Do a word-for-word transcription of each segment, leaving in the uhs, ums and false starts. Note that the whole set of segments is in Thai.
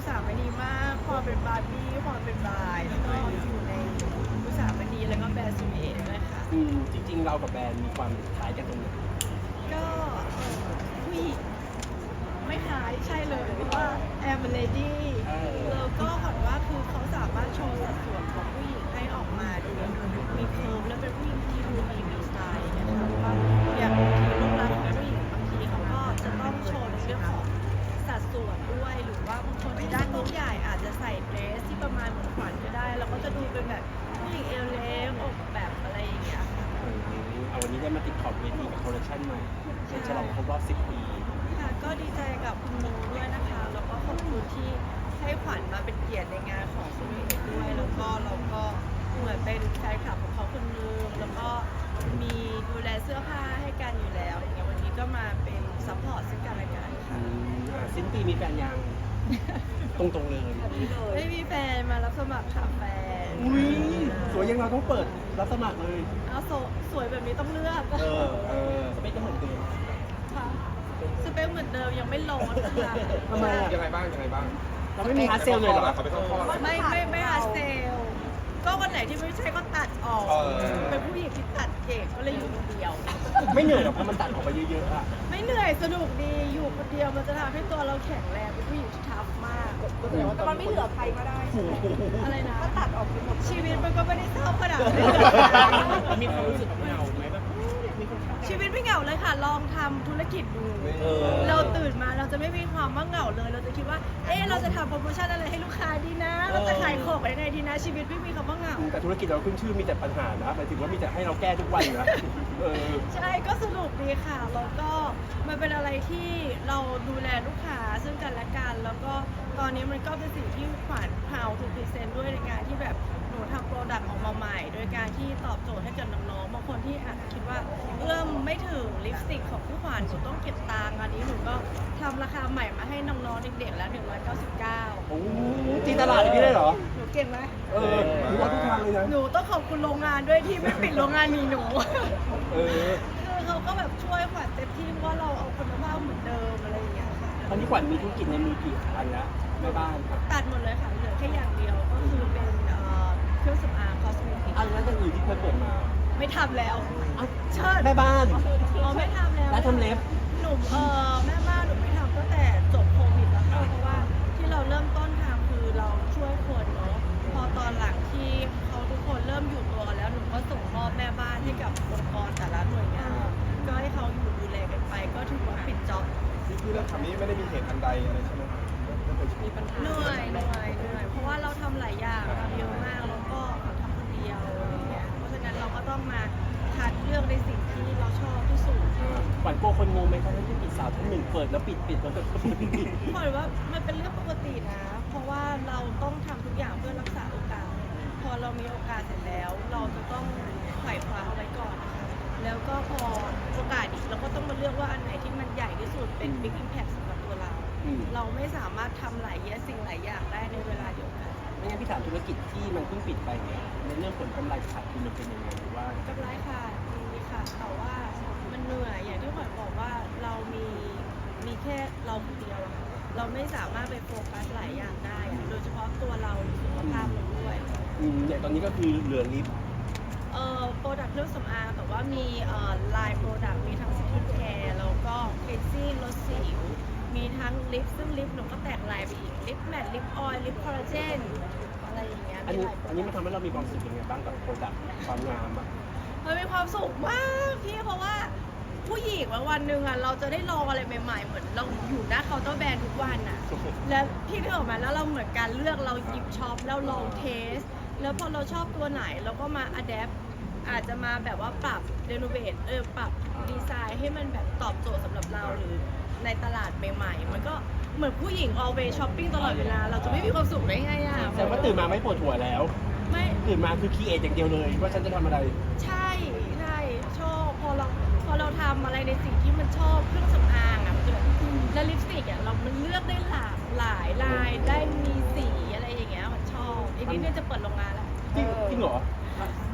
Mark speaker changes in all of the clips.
Speaker 1: สามณีมากความเป็นบาร์บี้ความเป็นบายแล้วก็อยู่ในอุตสาหมณีแล้วก็แบรนด์ซูเอด้วยค่ะ
Speaker 2: อืมจริงๆเรากับแบรนด์มีความคล้ายกันตรงไหน
Speaker 1: ก็เอ่อผู้หญิงไม่คล้ายใช่เลยเพราะว่าแอมเลดี้แล้วก็ขวัญว่าคือเขาสามารถโชว์สัดส่วนของผู้หญิงให้ออกมาดูมีเคิร์ฟและเป็นผู้หญิงที่ดูมีมีสไตล์นะคะเพราะว่าอย่างบางทีรูปลักษณ์ของผู้หญิงบางทีเขาก็จะต้องโชว์ในเรื่องของสัดส่วนด้วยหรือว่าบางคนที่ด้านตัวใหญ่อาจจะใส่เดรสที่ประมาณเหมือนขวัญก็ได้แล้วก็จะดูเป็นแบบผู้หญิงเอวเล็กอกแบบอะไรอย่างเงี้ยค่ะ
Speaker 2: เอาวันนี้ได้มาติดขอบเวทีกับคอลเลคชันใหม่เป็นฉลองครบรอบสิบปี
Speaker 1: ค่ะก็ดีใจกับคุณลุงด้วยนะคะ แล้วก็ขอบคุณที่ให้ขวัญมาเป็นเกียรติในงานของซูมิเอ็ด้วย แล้วก็เราก็เหมือนเป็นแฟนคลับของเขาคนนึงแล้วก็มีดูแลเสื้อผ้าให้กันอยู่แล้วอย่างเงี้ยวันนี้ก็มาเป็นซัพพอร์ตซึ่งกันและกัน
Speaker 2: อื
Speaker 1: ค่ะ
Speaker 2: มอ่ะสิ้นปีมีแฟนยัง ตรงๆเลย
Speaker 1: ไม่มีแฟนมารับสมัครค่ะแฟน
Speaker 2: อุ้ยสวยยังเราต้องเปิดรับสมัครเลย
Speaker 1: เอาโสสวยแบบนี้ต้องเลือก
Speaker 2: เออเออสเปคก็เหมือนเดิม
Speaker 1: ค่ะสเปคเหมือนเดิมยังไม่ลงค่ะ
Speaker 2: ทำไมอ่ะ
Speaker 3: ยังไงบ้างยังไงบ้าง
Speaker 2: เราไม่มีฮาร์ดเซลเลยเหรอ
Speaker 3: เขาไปเข้าข้อแล้ว
Speaker 1: ไม่ไม่ไม่หาเซลลก็วันไหนที่ไม่ใช่ก็ตัดออก
Speaker 3: เออ
Speaker 1: เป็นผู้หญิงที่ตัดเก่งก็เลยอยู่คนเดียว
Speaker 2: ไม่เหนื่อยหรอกเพราะมันตัดออกไปเยอะๆอ่ะ
Speaker 1: ไม่เหนื่อยสนุกดีอยู่คนเดียวมันจะทำให้ตัวเราแข็งแรงเป็นผู้หญิงที่ทัฟมาก
Speaker 4: แต่มันไม่เหลือใครก็ได้ใช่ไหม
Speaker 1: อะไรนะ
Speaker 4: ก็ตัดออกไปหมด
Speaker 1: ชีวิตมันก็ไม่ได้เศร้าขนาดนั้น
Speaker 2: มีความรู้สึกเหงาไหมแบบมีคนทัก
Speaker 1: ชีวิตไม่เหงาเลยค่ะ ลองทำธุรกิจดู
Speaker 2: เออ
Speaker 1: เราตื่นมาเราจะไม่มีความว่าเหงาเลย เราจะคิดว่า เอ๊ะเราจะทำโปรโมชั่นอะไรให้ลูกค้าดีนะ เราจะขายของยังไงดีนะ ชีวิตไม่มีคำว่าเหงา
Speaker 2: แต่ธุรกิจเราขึ้นชื่อมีแต่ปัญหานะหมายถึงว่ามีแต่ให้เราแก้ทุกวันนะเออ
Speaker 1: ใช่ก็สนุกดีค่ะ แล้วก็มันเป็นอะไรที่เราดูแลลูกค้าซึ่งกันและกัน แล้วก็ตอนนี้มันก็เป็นสิ่งที่ขวัญพาวทูพรีเซนต์ด้วยในการที่แบบหนูทำโปรดักต์ออกมาใหม่ โดยการที่ตอบโจทย์ให้กับน้องๆบางคนที่อาจจะคิดว่าเอื้อมไม่ถึงลิปสติกของผู้ขวัญหนูต้องเก็บตังค์อันนี้หนูก็ทำราคาใหม่มาให้น้องๆเด็กๆแล้วหนึ่งร้อยเก้าสิบเก้า
Speaker 2: โอ้ตีตลาดอย่างนี้ได้เหรอ
Speaker 1: หนูเก่งไหม
Speaker 2: เออรู้ว่าทุกทางเลยนะ
Speaker 1: หนูต้องขอบคุณโรงงานด้วยที่ไม่ปิดโรงงานมีหนู
Speaker 2: เออ
Speaker 1: คือเขาก็แบบช่วยขวัญเต็มที่เพราะว่าเราเอาคุณภาพเหมือนเดิมอะไรอย่างเงี้ยค่ะ
Speaker 2: ตอนนี้ขวัญมีธุรกิจในมือกี่อันแล้วแม่บ้านครับ
Speaker 1: ตัดหมดเลยค่ะเหลือแค่อย่างเดียวก็คือเป็นเอ่อเครื่องสำอางคอสเมติก
Speaker 2: อันนั้นอย่างอื่นที่เคยเปิดมา
Speaker 1: ไม่ทำแล้ว
Speaker 2: เอ้า
Speaker 1: เชิด
Speaker 2: แม่บ้าน
Speaker 1: อ๋อไม่ทำแล้ว
Speaker 2: ร้านทำเล็บ
Speaker 1: หนูเออแม่บ้านหนูไม่ทำตั้งแต่จบโควิดแล้วค่ะเพราะว่าที่เราเริ่มต้นทำคือเราช่วยคนเนาะพอตอนหลังที่เขาทุกคนเริ่มอยู่ตัวกันแล้วหนูก็ส่งมอบแม่บ้านให้กับองค์กรแต่ละหน่วยงานก็ให้เขาอยู่ดูแลกันไป ก็ถือว่าปิดจ็อบ
Speaker 3: ที่ที่เราทำนี้ไม่ได้มีเหตุอันใดอะไรใช่ไหมไม่เคย
Speaker 4: มีปัญหา
Speaker 1: เหนื่อยเหนื่อยเหนื่อยเพราะว่าเราทำหลายอย่างทำเยอะมากแล้วก็ทำคนเดียวอะไรเงี้ยเพราะฉะนั้นเราก็ต้องมาคัดเลือกในสิ่งที่เราชอบที่สุด
Speaker 2: ขวัญกลัวคนงงไหมครับที่ปิดสาวท่านหนึ่งเปิดแล้วปิดปิดแล้วก็ปิดปิดปิด
Speaker 1: หมายว่ามันเป็นเรื่องปกตินะ เพราะว่าเราต้องทำทุกอย่างเพื่อรักษาโอกาส พอเรามีโอกาสเสร็จแล้ว เราจะต้องไขว่คว้าเอาไว้ก่อนนะคะแล้วก็พอโอกาสอีกเราก็ต้องมาเลือกว่าอันไหนที่มันใหญ่ที่สุดเป็น big impact สำหรับตัวเรา
Speaker 2: อืม
Speaker 1: เราไม่สามารถทำหลายอย่างสิ่งหลายอย่างได้ในเวลาเดียวกัน
Speaker 2: ไม่งั้นพี่ถามธุรกิจที่มันเพิ่งปิดไปเนี่ยในเรื่องผลกำไรขาดทุนมันเป็นยังไงหรือว่า
Speaker 1: กำไรค่ะดีค่ะแต่ว่ามันเหนื่อยอย่างที่ขวัญบอกว่าเรามีมีแค่เราคนเดียวอะค่ะเราไม่สามารถไปโฟกัสหลายอย่างได้อะโดยเฉพาะตัวเราสุขภาพเราด้วย
Speaker 2: อืมเนี่ยตอนนี้ก็คือเหลือลิฟต์
Speaker 1: เอ่อโปรดักต์เครื่องสำอางแต่ว่ามีเอ่อไลน์โปรดักต์มีทั้งสกินแคร์แล้วก็เคลนซิ่งลดสิวมีทั้งลิปซึ่งลิปหนูก็แตกลายไปอีกลิปแมทลิปออยล์ลิปคอลลาเจนอะไรอย่างเงี้ย
Speaker 2: อัน
Speaker 1: มี
Speaker 2: นี้
Speaker 1: หลาย
Speaker 2: อันนี้มันทำให้เรามีความสุขยังไงบ้างกับโปรดักต์ความงามอ่ะ
Speaker 1: มันมีความสุขมากพี่เพราะว่าผู้หญิงวันวันหนึ่งอ่ะเราจะได้ลองอะไรใหม่ๆ เหมือนเราอยู่หน้าเคาน์เตอร์แบรนด์ทุกวันอ่ะ แล้วพี่นึกออกไหมแล้วเราเหมือนการเลือกเราหยิบช็อปแล้วลองเทส แล้วพอเราชอบตัวไหนเราก็มาอัดแอปอาจจะมาแบบว่าปรับเรโนเวทเออปรับดีไซน์ให้มันแบบตอบโจทย์สำหรับเราหรือในตลาดใหม่ๆ มันก็เหมือนผู้หญิง always shopping ตลอดเวลา เราจะไม่มีความสุขได้ไงอ่ะ
Speaker 2: แต่ว่าตื่นมาไม่ปวดหัวแล้ว
Speaker 1: ไม่
Speaker 2: ตื่นมาคือคีเอทอย่างเดียวเลยว่าฉันจะทำอะไร
Speaker 1: ใช่ใช่ชอบพอเราพอเราทำอะไรในสิ่งที่มันชอบเครื่องสำอางอ่ะมันจะแบบแล้วลิปสติกอ่ะเรามันเลือกได้หลากหลายลายได้มีสีอะไรอย่างเงี้ยมันชอบอีกนิดนึงจะเปิดโรงงานแล้ว
Speaker 2: จริงจริงเหรอ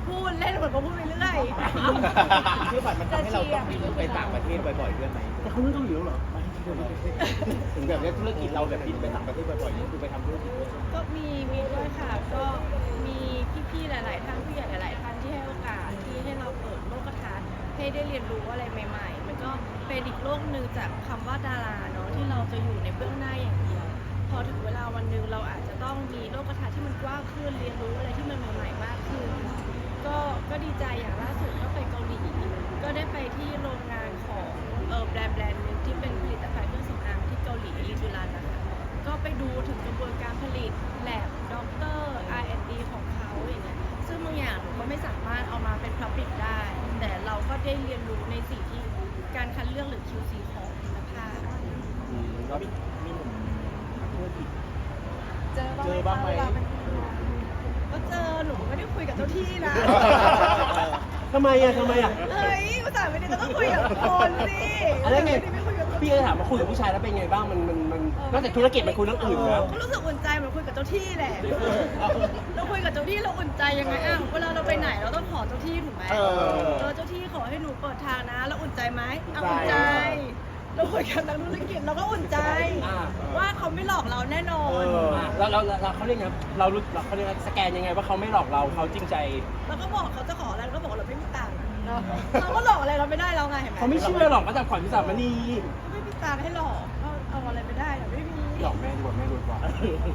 Speaker 1: พูดเล่นเหมือนก็พูดไปเรื่อย
Speaker 5: คือฝันมันทำให้เราต้องบินไปต่างประเทศบ่อยๆด้วยไหม
Speaker 2: แต่เขาเรื่องเกาหลีแล้วเหรอ
Speaker 5: ถึงแบบนี้ธุรกิจเราแบบบินไปต่างประเทศบ่อยๆนี่คือไปทำธุรกิจด้วยใช่ไหม
Speaker 1: ก็มีมีด้วยค่ะ ก็มีพี่ๆหลาย ๆ ท่านผู้ใหญ่หลาย ๆ ท่านที่ให้โอกาสที่ให้เราเปิดโลกทัศน์ให้ได้เรียนรู้อะไรใหม่ ๆ มันก็เป็นอีกโลกหนึ่งจากคำว่าดาราเนาะที่เราจะอยู่ในเบื้องหน้าอย่างเดียว พอถึงเวลาวันหนึ่งเราอาจจะต้องมีโลกทัศน์ที่มันกว้างขึ้นเรียนรู้อะไรที่มันใหม่ ๆ มากขึ้น ก็ก็ดีใจอย่างล่าสุดก็ไปเกาหลีก็ได้ไปที่โรงงานของเออแบรนด์แบรนด์หนึงที่เป็นผลิตภัณฑ์เครื่องสำอางที่เกาหลีลิจูรันนะคะก็ไปดูถึงกระบวนการผลิตแลบด็อกเตอร์ อาร์ แอนด์ ดี ของเขาอย่างเงี้ยซึ่งบางอย่างหนูก็ไม่สามารถเอามาเป็นพับลิกได้ แต่เราก็ได้เรียนรู้ในสิ่งที่การคัดเลือกหรือ คิว ซี ของคุณภาพ
Speaker 5: อืมแล้วมีมีหนุ่มนักธุรกิจ
Speaker 4: เจอ
Speaker 5: เจอบ้างไหม
Speaker 4: เวลาเป็นคนงาน
Speaker 1: ก็เจอหนูไม่ได้คุยกับเจ้าที่นะ
Speaker 2: ทำไมอ่ะทำไมอ่ะ
Speaker 1: เฮ้ยภาษาไม่ได้ก็ต้องคุยกับคนสิ
Speaker 2: อะไรไง
Speaker 1: ไม่คุยกับเจ้า
Speaker 2: พี่
Speaker 1: ที่
Speaker 2: ก็ถามว่าคุยกับผู้ชายแล้วเป็นไงบ้างมันมันมันนอกจากธุรกิจมันคุยเรื่องอื่นแล้ว
Speaker 1: ก็รู้สึกอุ่นใจเหมือนคุยกับเจ้าที่แหละ เราคุยกับเจ้าที่เราอุ่นใจยังไงอ่ะเวลาเราไปไหนเราต้องขอเจ้าที่ถูกไหม
Speaker 5: เออ
Speaker 1: เออเจ้าที่ขอให้หนูเปิดทางนะแล้วอุ่นใจไหมอ่ะอุ่นใจ เราคุยกับนักธุรกิจเราก็อุ่นใจ
Speaker 2: อ่า
Speaker 1: ว่าเขาไม่หลอกเราแน่นอน
Speaker 5: เออ
Speaker 2: อ่ะเราเราเราเขาเรียกไงเรารู้เราเขาเรียกสแกนยังไงว่าเขาไม่หลอกเราเขาจริงใจ
Speaker 1: แล้วก็บอกเขาจะขออะไรเราก็บอกว่าเราไม่มีตังค์เราก็หลอกอะไรเราไม่ได้เราไงเห็นไหม
Speaker 2: เขาไม่เชื่อหรอกก็แต่ขวัญพิสามณี
Speaker 1: ไม่มีตังค์ให้หลอกก็เอาอะไรไม่ได้เราไม่มี
Speaker 2: หลอกแม่ดีกว่าแม่รวยกว่า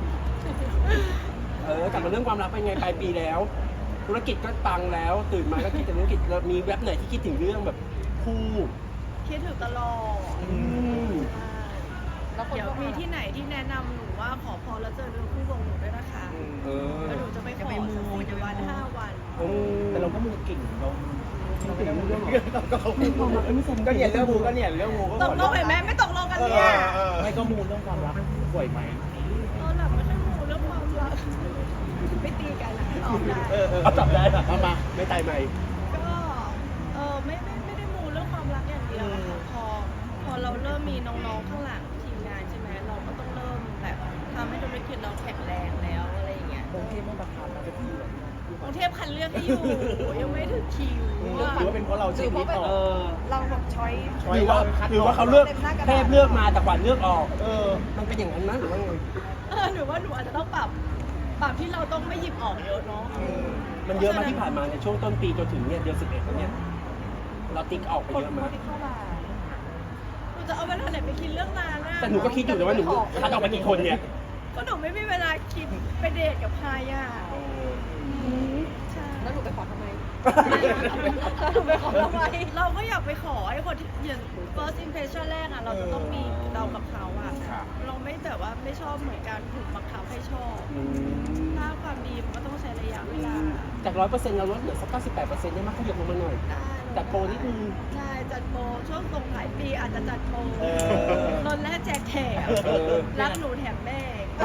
Speaker 2: เออกลับมาเรื่องความรักเป็นไงปลายปีแล้ว ธุรกิจก็ปังแล้วตื่นมาก็คิดถึงธุรกิจแล้วมีแว็บไหนที่คิดถึงเรื่องแบบคู่
Speaker 1: คิดถึงตลอด
Speaker 2: อืม
Speaker 4: แล้วคน
Speaker 1: เดี๋ยว
Speaker 4: ก็
Speaker 1: มีที่ไหนที่แนะนำหนูว่าขอพรแล้วเจอเนื้อคู่วงหนูด้วยนะคะ
Speaker 2: เออ
Speaker 1: แล้วหนูจะไปขอสักสี่วันห้าวัน
Speaker 2: อืม
Speaker 5: แต่เราก็มูเก่งเราเราเป็นเรื่อง
Speaker 2: ก็เขาไม่ความรักไม่สม
Speaker 5: ก็เนี่ยเรื่องมูก็เนี่ยเรื่องมูก็
Speaker 1: ตกลงเห็นไหมไม่ตกลงกันเนี่ย
Speaker 5: ไม่ก็มูเรื่องความรักบ่อยไหม
Speaker 1: เออหลับไม่ค่อยมูเรื่องความรักไม่ตีกันออกได้
Speaker 5: เออเออ
Speaker 2: เอาจับได้ป่ะเอามาไม่ตายไหม
Speaker 1: ก็เออไม่ไม่ไม่ได้มูเรื่องความรักอย่างเดียวอะค่ะพอพอเราเริ่มมีน้องๆข้างหลังทีมงานใช่ไหมเราก็ต้องเริ่มแบบทำให้ธุรกิจเราแข็งแรงแล้วอะไรอย่างเงี้ย
Speaker 5: กรุงเทพไม่บังคับเราจะที่เลย
Speaker 1: กรุงเทพคันเลือกให้อยู่ยังไม่ถึงคิว
Speaker 5: หรือว่าเป็นเพราะเราชื่อนิดอ
Speaker 2: เอ
Speaker 5: อก
Speaker 2: อ
Speaker 4: เราแบบช้อย
Speaker 2: หรือว่าหรือว่าเขาเลือกเทพเลือกมาแต่ขวัญเลือกออก
Speaker 5: เออ
Speaker 2: มันเป็นอย่างนั้นนะหรือว่าไง
Speaker 1: เออหนูว่าหนูอาจจะต้องปรับปรับที่เราต้องไม่หยิบออกเยอะเนาะ
Speaker 2: มันเยอะมาที่ผ่านมาในช่วงต้นปีจนถึงเนี่ยเดือนสิบเอ็ดแล้วเนี่ยเราติ๊กออกไป
Speaker 4: คน
Speaker 2: เยอะ
Speaker 4: โพ
Speaker 2: มา
Speaker 4: สต์ที่เข้ามา
Speaker 1: หนูจะเอาเวลาไหนไปคิดเรื่องงานอะ
Speaker 2: แต่หนูก็คิดอยู่นะว่าหนูคัดออกไปกี่คนเนี่ย
Speaker 1: ก็หนูไม่มีเวลาคิดไปเดทกับใครอ่ะใช่
Speaker 4: แล้วหนูไปขอทำไมแล้วหนูไปขอทำไม
Speaker 1: เราก็อยากไปขอไอ้คนที่อย่าง first impression แรกอ่ะเราจะต้องมีเรากับเขาอ่ะเราไม่แต่ว่าไม่ชอบเหมือนการถูกบังคับให้ชอบ
Speaker 2: อืม
Speaker 1: ถ้าความดีมันก็ต้องใช้ระยะเวลา
Speaker 2: จากร้อยเปอร์เซ็นต์เราลดเหลือสักเก้าสิบแปดเปอร์เซ็นต์ได้มากขยับลงมาหน่อย
Speaker 1: ได้
Speaker 2: จัดโปรนิดนึง
Speaker 1: ใช่จัดโปรช่วงส่งท้ายปีอาจจะจัดโปร
Speaker 5: เออ
Speaker 1: ลดแรกแจกแถม
Speaker 2: เออ
Speaker 1: รักหนูแถมแม่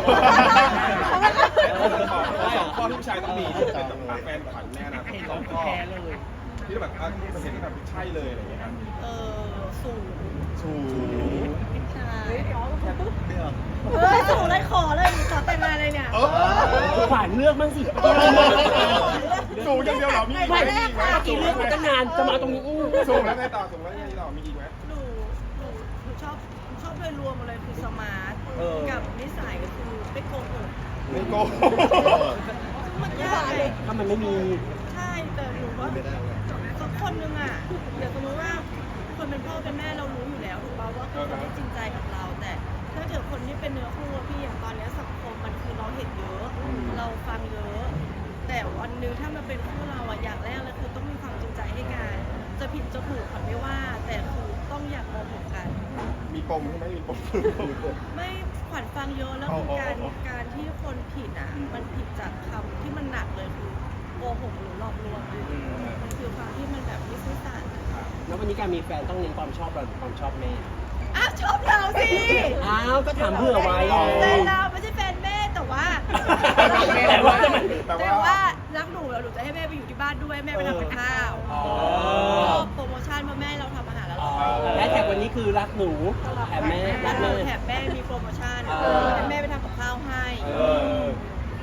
Speaker 3: สองข้อที่ผู้ชายต้องมีที่จะต้องรักแฟนขวัญแน่นะสองข้อที่แบบว่าเห็นแบบใช่เลยอะไรอย่างเงี้ยครับ
Speaker 1: เออสูง
Speaker 5: สูง
Speaker 1: ใช่
Speaker 4: เฮ้ยเดี๋ยว
Speaker 5: เรื่อง
Speaker 1: เฮ้ยสูงเลยขอเลยขอแต่งงานเลยเนี่ย
Speaker 3: เออ
Speaker 2: ขวัญเลือกบ้างสิ
Speaker 3: สูงอย่างเดียวเหรอมีอีกไหม
Speaker 2: ไม่
Speaker 3: มีอีกไหม
Speaker 2: เมื่อกี้เลือกมาตั้งนานจะมาตรงนี้อู้
Speaker 3: สูงแล้วไงต่อสูงแล้วไงต่อมีอีกไหม
Speaker 1: หนูหนูหนูชอบชอบโดยรวมเลยคือสมาร์ทกับนิสัยก็คือไม่โกหก
Speaker 3: ไม่โกง
Speaker 1: ซึ่งมันยากเลย
Speaker 2: ถ้ามันไม่มี
Speaker 1: ใช่แต่หนูว่าสักคนนึงอ่ะเดี๋ยวสมมติว่าคนเป็นพ่อเป็นแม่เรารู้อยู่แล้วถูกป่าวว่าคือคนที่จริงใจกับเรา แต่ถ้าเกิดคนที่เป็นเนื้อคู่อะพี่อย่างตอนเนี้ยสังคมมันคือเราเห็นเยอะ เราฟังเยอะ แต่วันหนึงถ้ามันเป็นคู่เราอะอย่างแรกเลยคือต้องมีความจริงใจให้กันจะผิดจะถูกขวัญไม่ว่า แต่คือต้องอยากมองกัน
Speaker 3: มีปมใช่ไหมมีปม
Speaker 1: ไม่ขวัญฟังเยอะแล้วคือการการที่คนผิดอ่ะ มันผิดจากคำที่มันหนักเลยคือโกหกหรือหลอกลวงอะมันคือความที่มันแบบไม่ซื่อสัตย์
Speaker 2: แล้ววันนี้การมีแฟนต้องเน้นความชอบเราหรือความชอบแม่
Speaker 1: อ้าวชอบเราสิ
Speaker 2: อ้าวก็ถามเพื่อไว้
Speaker 1: แฟนเราไม่ใช่แฟนแม่แต่ว่า
Speaker 2: แต่ว่าจะมัน
Speaker 1: แต่ว่ารักหนูแล้วหนูจะให้แม่ไปอยู่ที่บ้านด้วยแม่ไปทำกับข้าว
Speaker 2: อ๋อ
Speaker 1: โปรโมชั่นเพราะแม่เราทำอาหารแล้วเรา
Speaker 2: และแท็กวันนี้คือรักหนูแถมแม่
Speaker 1: รั
Speaker 2: รั
Speaker 1: ก
Speaker 2: ก
Speaker 1: หนู
Speaker 2: แม่
Speaker 1: แถมแม่มีโปรโมชั่น
Speaker 2: เออ
Speaker 1: ให้แม่ไปทำกับข้าวให้
Speaker 2: เออ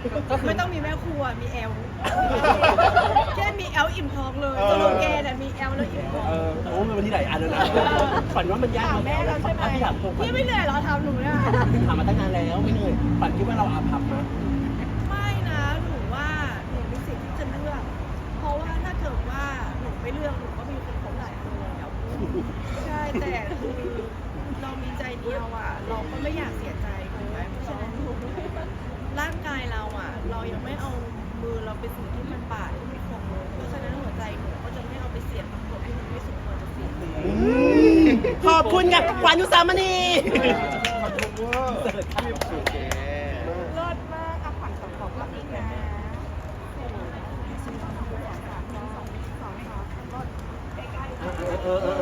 Speaker 2: ก็คือ
Speaker 1: ไม่ต้องมีแม่ครัวมีแอลแค่มีแอลอิ่มท้องเลยสโลแกนอะมีแอลแล้วอิ่มท้อง
Speaker 2: เออโอ้วันนี้หลายอันแล้วนะฝันว่ามันยาก
Speaker 4: ถามแม่เราใช่ไหม
Speaker 2: พี่ถามตรงฝัน
Speaker 1: พี่ไม่เหนื่อยเหรอทำหนูเนี่ย
Speaker 2: ถามมาตั้งนานแล้วไม่เหนื่อยฝันคิดว่าเราอาภัพไหม
Speaker 1: ไม่นะหนูว่าหนูมีสิทธิ์ที่จะเลือก เพราะว่าถ้าเกิดว่าหนูไม่เลือกหนูก็มีคนคบหลายคนแล้วใช่แต่คือเรามีใจเดียวอ่ะ เราก็ไม่อยากเสียใจถูกไหมเพราะฉะนั้นร่างกายเราอ่ะ เรายังไม่เอามือเราไปสิ่งที่มันบาดที่มันคงเลยเพราะฉะนั้นหัวใจหนูก็จะไม่เอาไปเสียบกับคนที่มันไม่สมควรจะเสียบ
Speaker 2: ขอบคุณกับขวัญอุสามณี
Speaker 3: ขอบคุณเวอร์
Speaker 4: เลิศมากอ่ะขวัญสองของก็อีกนะสองสามสองสองสองสองรถใกล้ๆ
Speaker 2: เออเออเออ